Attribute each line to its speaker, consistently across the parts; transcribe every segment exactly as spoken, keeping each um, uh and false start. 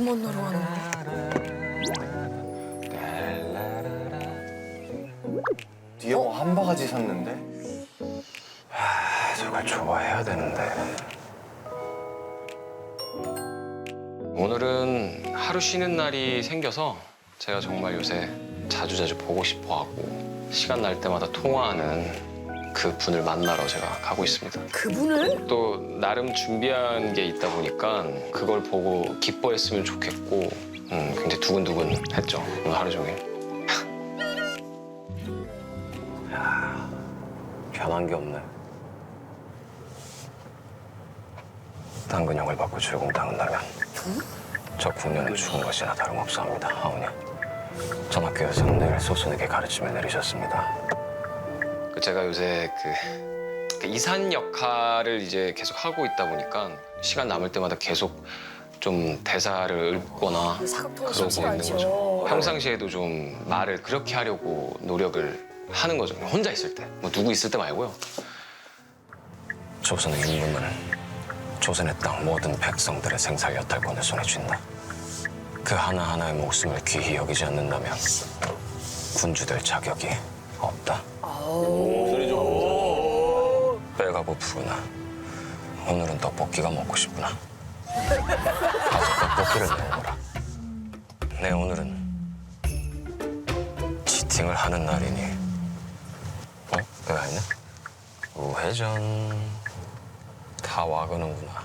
Speaker 1: 그 만나러 가는 거.
Speaker 2: 뒤에 뭐 한 바가지 샀는데?
Speaker 3: 아, 저걸 좋아해야 되는데. 오늘은 하루 쉬는 날이 생겨서 제가 정말 요새 자주자주 보고 싶어하고 시간 날 때마다 통화하는 그 분을 만나러 제가 가고 있습니다.
Speaker 1: 그분을?
Speaker 3: 또 나름 준비한 게 있다 보니까 그걸 보고 기뻐했으면 좋겠고 음, 굉장히 두근두근했죠, 오늘 하루 종일. 야, 변한 게 없네. 당근형을 받고 출공당한다면 저 궁녀는 죽은 것이나 다름없사옵니다, 하오니. 전학교에서는 늘 소선에게 가르침을 내리셨습니다. 그 제가 요새 그, 그 이산 역할을 이제 계속 하고 있다 보니까 시간 남을 때마다 계속 좀 대사를 읊거나
Speaker 1: 사극통이
Speaker 3: 그러고
Speaker 1: 쉽지가
Speaker 3: 있는
Speaker 1: 않죠.
Speaker 3: 거죠. 평상시에도 좀 말을 그렇게 하려고 노력을 하는 거죠. 혼자 있을 때, 뭐 누구 있을 때 말고요. 조선의 임금은 조선의 땅 모든 백성들의 생살 여탈권을 손에 쥔다. 그 하나하나의 목숨을 귀히 여기지 않는다면 군주될 자격이 없다. 배가 고프구나. 오늘은 떡볶이가 먹고 싶구나. 가서 떡볶이를 내어오라. 네, 오늘은 치팅을 하는 날이니. 어? 왜 아니네? 우회전. 다 와가는구나.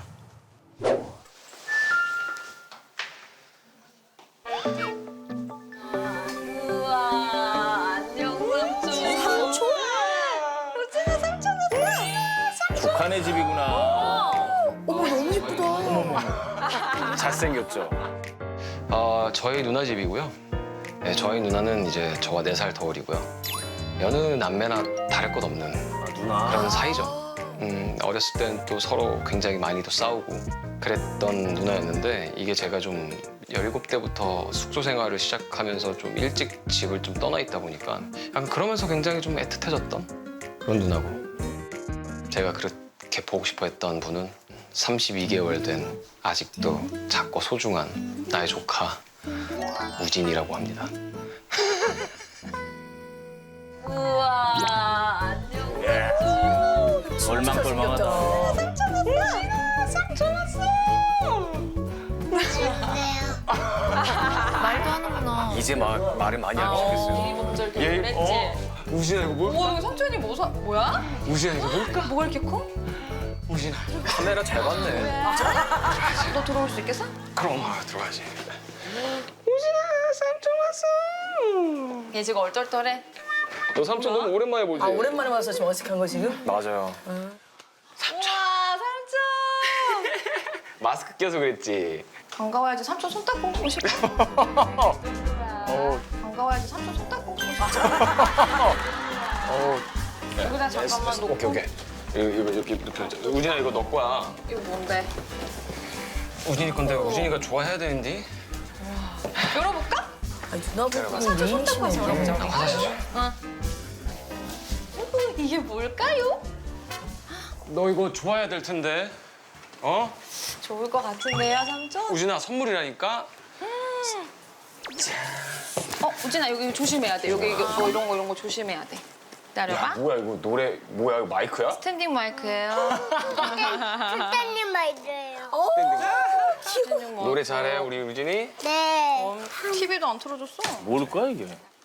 Speaker 4: 우와, 안녕 삼촌.
Speaker 1: 삼촌?
Speaker 4: 우진아 삼촌 왔어.
Speaker 2: 북한의 집이구나.
Speaker 1: 어머 너무 예쁘다.
Speaker 2: 잘생겼죠?
Speaker 3: 어, 저희 누나 집이고요. 네, 저희 누나는 이제 저와 네 살 더 어리고요. 여느 남매나 다를 것 없는
Speaker 2: 아, 누나.
Speaker 3: 그런 사이죠. 음, 어렸을 땐 또 서로 굉장히 많이 또 싸우고 그랬던 누나였는데 이게 제가 좀 열일곱 대부터 숙소 생활을 시작하면서 좀 일찍 집을 좀 떠나 있다 보니까 약간 그러면서 굉장히 좀 애틋해졌던 그런 누나고 제가 그렇게 보고 싶어 했던 분은 삼십이 개월 된 아직도 작고 소중한 나의 조카 우진이라고 합니다.
Speaker 4: 우와, 안녕
Speaker 2: 예.
Speaker 4: 삼촌.
Speaker 2: 얼망떨망하다.
Speaker 4: 삼촌 왔어. 삼촌 왔어.
Speaker 1: 말도 하는구나.
Speaker 2: 이제 막 말을 많이 하기 시작했어요.
Speaker 4: 이 먼저 이렇게
Speaker 2: 얘,
Speaker 4: 그랬지.
Speaker 2: 어? 우진아 이거 뭐?
Speaker 4: 우와, 이거 삼촌이 뭐 사, 뭐야?
Speaker 2: 우진아 이거 뭘까?
Speaker 4: 뭐가 이렇게 커?
Speaker 2: 우진아 카메라 잘 봤네.
Speaker 4: 너 들어올 수 있겠어?
Speaker 3: 그럼 아, 들어가지.
Speaker 4: 얘 지금 얼떨떨해.
Speaker 3: 너 삼촌 너무 오랜만에 보지?
Speaker 1: 아 오랜만에 와서 지금 어색한 거 지금?
Speaker 2: 맞아요.
Speaker 4: 우와, 삼촌.
Speaker 3: 마스크 껴서 그랬지.
Speaker 4: 반가워야지 삼촌 손 닦고 오고 싶어.
Speaker 2: 어.
Speaker 4: 반가워야지 삼촌 손 닦고 오고 싶어.
Speaker 2: 어.
Speaker 4: 여기다 잠깐만 놓고.
Speaker 3: 오케이 오케이. 이거 이거 이렇게 이렇게. 우진아 이거 너 거야.
Speaker 4: 이거 뭔데?
Speaker 3: 우진이 건데 우진이가 좋아해야 되는데.
Speaker 4: 열어볼까?
Speaker 1: 아니 누나보고
Speaker 4: 삼촌 손 닦고 와서 열어보자.
Speaker 3: 나 화장실 좀.
Speaker 4: 응. 이게 뭘까요?
Speaker 3: 너 이거 좋아해야 될 텐데. 어?
Speaker 4: 좋을 것 같은데요, 삼촌?
Speaker 3: 우진아 선물이라니까.
Speaker 4: 어, 우진아 여기 조심해야 돼. 여기 이거 뭐 이런 거 이런 거 조심해야 돼. 기다려봐.
Speaker 2: 뭐야 이거 노래 뭐야 이거 마이크야?
Speaker 4: 스탠딩 마이크예요.
Speaker 5: 선생님 말이에요.
Speaker 4: 스탠딩 마이크.
Speaker 3: 노래 잘해 우리 우진이.
Speaker 5: 네.
Speaker 4: 어, 티비도 안 틀어줬어.
Speaker 2: 뭘까 이게?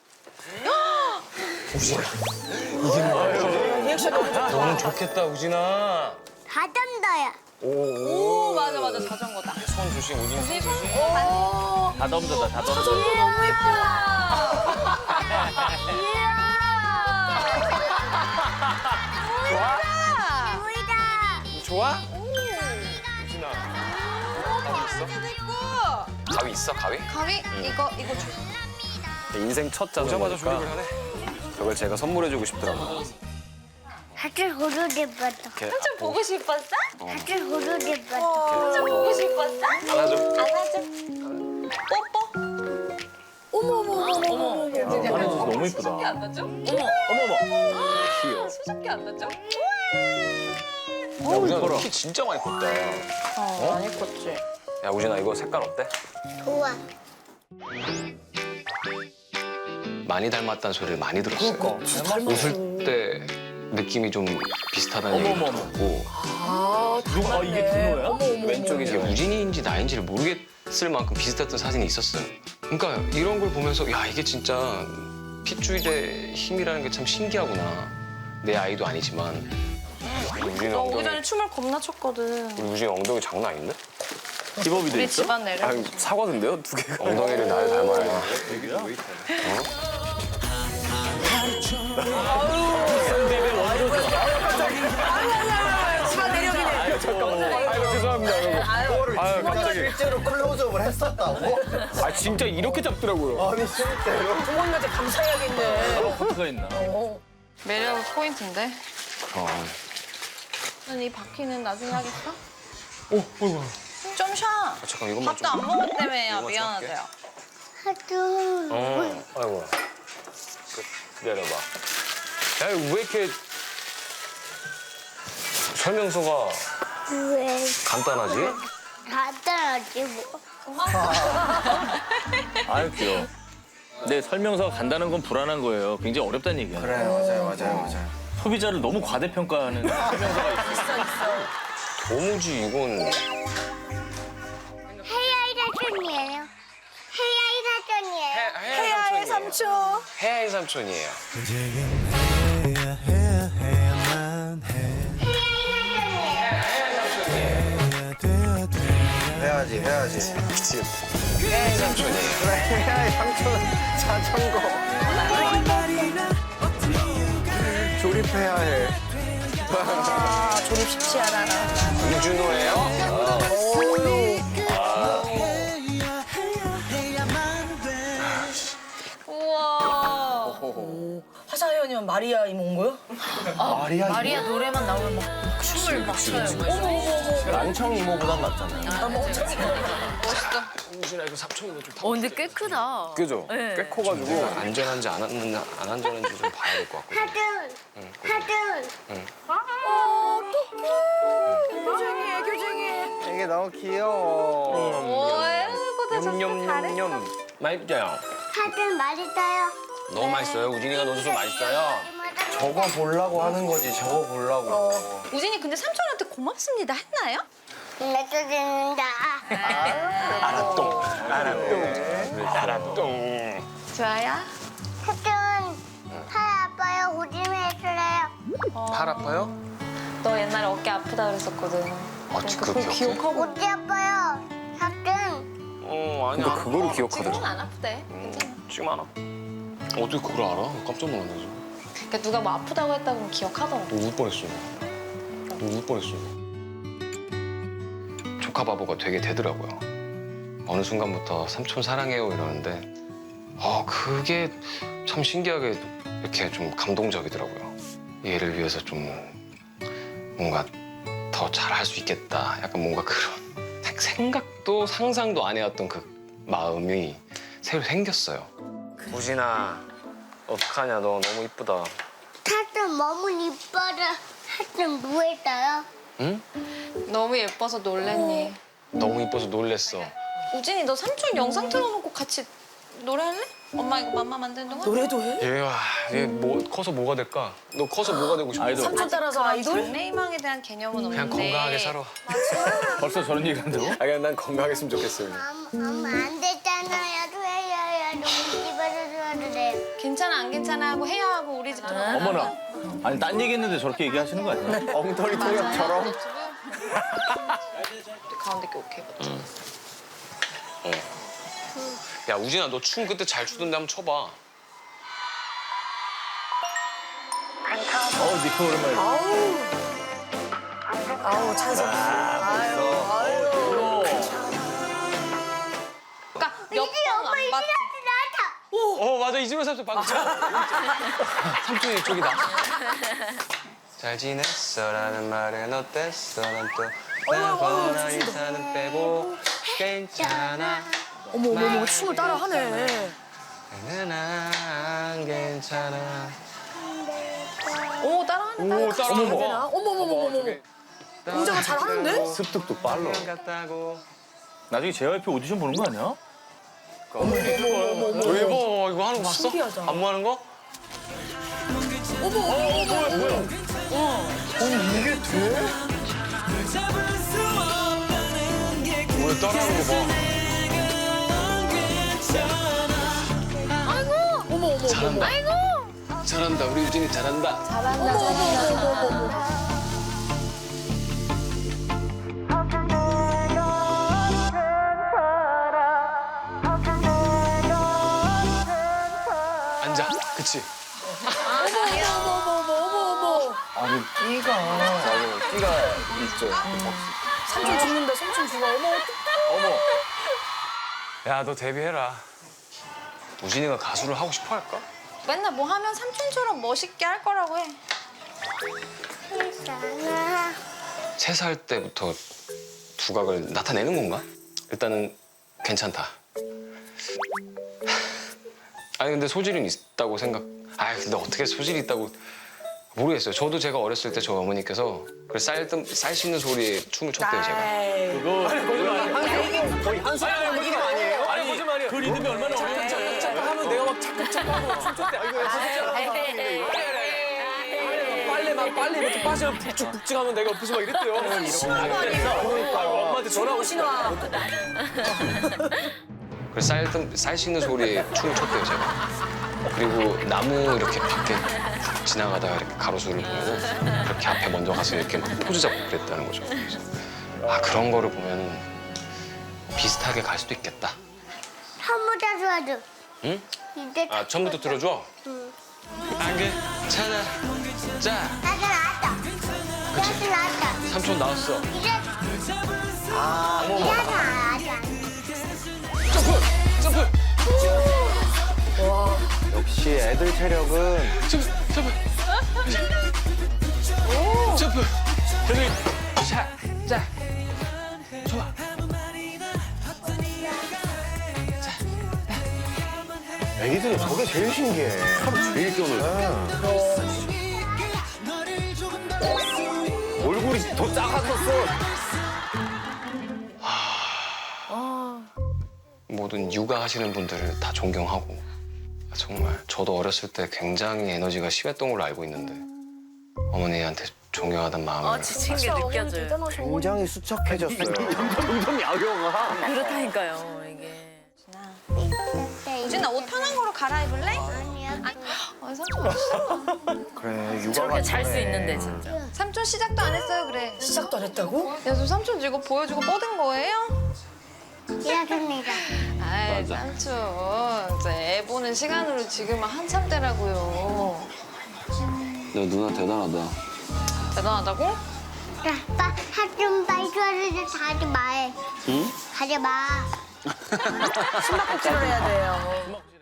Speaker 1: 리액션 너무 좋다.
Speaker 3: 너는 좋겠다 우진아.
Speaker 5: 다 던져요.
Speaker 4: 오, 맞아 맞아 자전거다.
Speaker 3: 손 조심 우진이 손 조심.
Speaker 2: 다 덤벼다 다 덤벼.
Speaker 4: 너무 예쁘다.
Speaker 5: 보이다.
Speaker 3: 좋아? 우진아. 가위 있어? 가위 있어 가위?
Speaker 4: 가위 이거 이거 줘.
Speaker 2: 인생 첫
Speaker 3: 오자마자
Speaker 2: 자전거니까
Speaker 3: 조립을 하네.
Speaker 2: 저걸 제가 선물해주고 싶더라고요.
Speaker 5: 하트 고르게 봤어.
Speaker 2: 이렇게
Speaker 4: 삼촌 보고 싶었어?
Speaker 5: 하트 고르게 봤어.
Speaker 4: 삼촌 보고 싶었어?
Speaker 3: 안아줘.
Speaker 4: 안아줘. 뽀뽀.
Speaker 1: 어머 어머 어머 어머.
Speaker 2: 안해줘서 너무 이쁘다.
Speaker 4: 수줍게 안 나죠?
Speaker 2: 어머머. 귀여워.
Speaker 4: 수줍게 안 나죠?
Speaker 3: 야 우진아 너 키 진짜 많이 컸다.
Speaker 4: 어, 많이 컸지.
Speaker 2: 야 우진아 이거 색깔 어때?
Speaker 5: 좋아.
Speaker 3: 많이 닮았다는 소리를 많이 들었어요.
Speaker 2: 그러니까.
Speaker 3: 웃을 때 느낌이 좀 비슷하다는 얘기를
Speaker 6: 어머, 어머.
Speaker 3: 들었고
Speaker 1: 아,
Speaker 6: 누가 아, 이게 준호야?
Speaker 1: 어머, 어머,
Speaker 3: 이게
Speaker 2: 왼쪽이잖아.
Speaker 3: 우진이인지 나인지를 모르겠을 만큼 비슷했던 사진이 있었어요. 그러니까 이런 걸 보면서 야 이게 진짜 핏줄의 힘이라는 게 참 신기하구나. 내 아이도 아니지만 우진이
Speaker 4: 너 오기
Speaker 3: 엉덩이,
Speaker 4: 전에 춤을 겁나 췄거든.
Speaker 3: 우리 우진이 엉덩이 장난 아닌데?
Speaker 6: 기법이 돼
Speaker 4: 우리
Speaker 6: 있어?
Speaker 4: 집안 내려.
Speaker 2: 아 사과던데요 두 개가?
Speaker 3: 엉덩이를 나를 닮아야
Speaker 1: 시간 내력이네.
Speaker 2: 아이고 죄송합니다. 아이고. 아유 갑자기.
Speaker 7: 실제로 클로즈업을 했었다고?
Speaker 2: 아 진짜 이렇게 잡더라고요.
Speaker 7: 아니 실제로?
Speaker 1: 부모님한테 감사해야겠네.
Speaker 6: 포트가 있나?
Speaker 1: 어.
Speaker 4: 매력 포인트인데.
Speaker 3: 그럼.
Speaker 4: 이 바퀴는 나중에 하겠어?
Speaker 3: 오, 어이구.
Speaker 4: 좀 쉬어.
Speaker 3: 아, 잠깐 이것만
Speaker 4: 밥도 안
Speaker 3: 좀.
Speaker 4: 먹었다며요.
Speaker 3: 이것만 좀
Speaker 4: 미안하대요.
Speaker 5: 하도.
Speaker 3: 어, 아이고. 그, 기다려봐. 야, 이거 왜 이렇게 설명서가
Speaker 5: 왜?
Speaker 3: 간단하지?
Speaker 5: 간단하지 뭐.
Speaker 6: 아유 귀여워. 근데 설명서가 간다는 건 불안한 거예요. 굉장히 어렵다는 얘기야.
Speaker 7: 그래 맞아요 맞아요 맞아요.
Speaker 6: 소비자를 너무 과대평가하는 설명서가 있어.
Speaker 3: 도무지 이건
Speaker 5: 헤어이 사촌이에요. 헤어이 사촌이에요.
Speaker 1: 해야의 삼촌.
Speaker 3: 해야의 삼촌이에요.
Speaker 7: 해야지 해야지.
Speaker 3: 해야의 삼촌이에요.
Speaker 7: 그래 해야지 삼촌 자전거. 조립해야 해.
Speaker 1: 아, 조립 쉽지 않아.
Speaker 3: 우준호예요?
Speaker 4: 우와.
Speaker 1: 화사연이면 마리아 이모 온 거요?
Speaker 7: 마리아
Speaker 4: 마리아 노래만 나오면 막 춤을 막 춰요.
Speaker 7: 난청 이모보단 낫잖아요.
Speaker 4: 멋있어.
Speaker 3: 우준아 이거 삼촌이고 좀
Speaker 4: 어, 근데 꽤 크다.
Speaker 2: 그죠? 꽤 커가지고.
Speaker 3: 안전한지 안, 안, 안 안전한지 좀 봐야 될 것 같거든요.
Speaker 5: 하든. 하든.
Speaker 1: 교정이에, 교정이에.
Speaker 7: 이게 너무 귀여워.
Speaker 4: 오해보다
Speaker 3: 냠냠냠냠. 맛있어요.
Speaker 5: 하든 맛있어요.
Speaker 3: 너무 맛있어요. 우진이가 넣어줘서 맛있어요.
Speaker 7: 저거 보려고 하는 거지 저거 보려고.
Speaker 4: 우진이 근데 삼촌한테 고맙습니다 했나요?
Speaker 5: 맺어줍니다.
Speaker 3: 알았똥. 알았똥. 알았똥.
Speaker 4: 좋아요.
Speaker 5: 하든. 팔 아파요. 조심해주세요.
Speaker 3: 팔 아파요?
Speaker 4: 너 옛날에 어깨 아프다 그랬었거든.
Speaker 3: 아, 그거 기억해?
Speaker 4: 기억하고.
Speaker 5: 어디 아파요? 하든.
Speaker 3: 어, 아니.
Speaker 2: 근데 그거를
Speaker 4: 지금은
Speaker 2: 기억하더라고.
Speaker 4: 안 아프대. 괜찮아.
Speaker 3: 지금 알아. 어떻게 그걸 알아? 깜짝 놀랐네. 지금.
Speaker 4: 그러니까 누가 뭐 아프다고 했다고 하면 기억하더라고.
Speaker 3: 너 울 뻔했어. 너 울 뻔했어. 조카 바보가 되게 되더라고요. 어느 순간부터 삼촌 사랑해요 이러는데 아 그게 참 신기하게 이렇게 좀 감동적이더라고요. 얘를 위해서 좀 뭔가 더 잘할 수 있겠다. 약간 뭔가 그런 생각도 상상도 안 해왔던 그 마음이 새로 생겼어요. 우진아 어떡하냐 너 너무 이쁘다.
Speaker 5: 하든 너무 이뻐라. 하든 뭐했어요?
Speaker 3: 응?
Speaker 4: 너무 예뻐서 놀랬니?
Speaker 3: 너무 이뻐서 놀랬어.
Speaker 4: 우진이 너 삼촌 영상 틀어놓고 같이 노래할래? 엄마 이거 맘마 만드는 동안?
Speaker 1: 노래도 해?
Speaker 3: 얘와 얘 뭐 커서 뭐가 될까? 너 커서 뭐가 되고 싶어?
Speaker 6: 아이돌.
Speaker 1: 삼촌 따라서 아이돌?
Speaker 4: 장래희망에 대한 개념은
Speaker 3: 그냥
Speaker 4: 없는데
Speaker 3: 건강하게 살아.
Speaker 6: 벌써 저런 얘기 한다고?
Speaker 3: 아 그냥 난 건강했으면 좋겠어요.
Speaker 5: 엄마, 엄마 안 됐잖아요. 해야야. 너무 집어줘도 돼.
Speaker 4: 괜찮아 안 괜찮아 하고 해야 하고 우리 집 들어가.
Speaker 6: 어머나. 아니 딴 얘기했는데 저렇게 얘기하시는 거 아니야?
Speaker 7: 엉터리 통역처럼.
Speaker 4: 가운데 게 오케이.
Speaker 3: 어. 야 우진아 너 춤 그때 잘 추던데 한번 춰봐.
Speaker 6: 어, 니코 오랜만에.
Speaker 1: 아우. 아우, 찬성. 아유, 아유.
Speaker 4: 그러니까 몇 번 안 봤지.
Speaker 3: 어 맞아 이즈벨 삼촌 방금 삼촌이 이쪽이다. 잘 지냈어라는 말은 어땠어 난또 나보다 인사는 빼고 괜찮아
Speaker 1: 어머, 어머, 어머, 춤을 따라 하네.
Speaker 3: 나는 안 괜찮아.
Speaker 4: 오 따라하네.
Speaker 3: 오 따라하는
Speaker 1: 되나? 어머, 어머, 어머, 어머. 은자가 잘하는데?
Speaker 7: 습득도 빨라.
Speaker 3: 같다고
Speaker 6: 나중에 제이와이피 오디션 보는 거 아니야?
Speaker 3: 대박 이거 하는 거 봤어?
Speaker 1: 신기하다.
Speaker 3: 안무 하는 거? 왜 따라하는 거 봐.
Speaker 1: 어머 어머.
Speaker 3: 잘한다. 잘한다. 우리 유진이 잘한다.
Speaker 4: 잘한다, 잘한다.
Speaker 3: 앉아. 그치?
Speaker 1: 어머 어머 어머 어머.
Speaker 7: 아니 띠가 맞아 띠가 있죠.
Speaker 1: 삼촌 죽는다. 삼촌 죽어. 어머 어떡해.
Speaker 2: 야, 너 데뷔해라.
Speaker 3: 우진이가 가수를 하고 싶어 할까?
Speaker 4: 맨날 뭐 하면 삼촌처럼 멋있게 할 거라고 해.
Speaker 5: 괜찮아.
Speaker 3: 세 살 때부터 두각을 나타내는 건가? 일단은 괜찮다. 아니 근데 소질은 있다고 생각. 아 근데 어떻게 소질이 있다고 모르겠어요. 저도 제가 어렸을 때 저희 어머니께서 그 쌀, 뜸- 쌀 씹는 소리에 춤을 췄대요 제가.
Speaker 6: 그거
Speaker 2: 거의 한 사람 느낌 아니에요?
Speaker 6: 아니 거짓말이야. 그 리듬이 얼마나 어려운데.
Speaker 2: 착각 하면 내가 막 착각착각하고 춤췄대. 아, 이거 빨래 막 빨래 이렇게 빠지면 북직북직 하면 내가 옆에서 막 이랬대요.
Speaker 1: 신호가 아니에요.
Speaker 2: 엄마한테 전화하고
Speaker 1: 신호아.
Speaker 3: 그 쌀, 뜸- 쌀 씹는 소리에 춤을 췄대요 제가. 그리고 나무 이렇게 밖에 지나가다가 이렇게 가로수를 보면은 그렇게 앞에 먼저 가서 이렇게 막 포즈 잡고 그랬다는 거죠. 그래서 아 그런 거를 보면은 비슷하게 갈 수도 있겠다.
Speaker 5: 처음부터 들어줘.
Speaker 3: 응?
Speaker 5: 이제
Speaker 3: 아 처음부터 들어줘.
Speaker 5: 응.
Speaker 3: 안개 찾아. 자
Speaker 5: 나도 나왔다. 나도 나왔다.
Speaker 3: 삼촌 나왔어.
Speaker 5: 이제 아, 이제 나왔다.
Speaker 3: 점프 점프
Speaker 7: 역시 애들 체력은
Speaker 3: 점프 점프 점프 저기 자자 좋아.
Speaker 7: 애기들은 저게 제일 신기해. 하루 제일 뛰어놀. 얼굴이 더 작았었어.
Speaker 3: 모든 육아하시는 분들을 다 존경하고 정말 저도 어렸을 때 굉장히 에너지가 심했던 걸로 알고 있는데 어머니한테 존경하다는 마음을
Speaker 1: 아 지친 게 느껴져요. 대단하셔.
Speaker 7: 굉장히 수척해졌어요.
Speaker 6: 점점 야경아.
Speaker 1: 그렇다니까요 이게.
Speaker 4: 우진아 옷 편한 거로 갈아입을래?
Speaker 5: 아니야.
Speaker 4: 아, 삼촌 멋있어.
Speaker 7: 그래 육아가
Speaker 1: 저렇게 잘 수
Speaker 7: 편해.
Speaker 1: 있는데 진짜.
Speaker 4: 삼촌 시작도 안 했어요, 그래.
Speaker 1: 시작도 안 했다고?
Speaker 4: 야, 저 삼촌 이거 보여주고 뻗은 거예요?
Speaker 5: 이렇습니다.
Speaker 4: 아이, 삼촌. 진짜 애 보는 시간으로 지금은 한참 때라고요.
Speaker 3: 너 누나 대단하다.
Speaker 4: 대단하다고?
Speaker 5: 아빠 하좀 빨리 줘야지. 가지 마.
Speaker 3: 응?
Speaker 5: 가지 마.
Speaker 1: 숨바꼭질을 해야 돼요.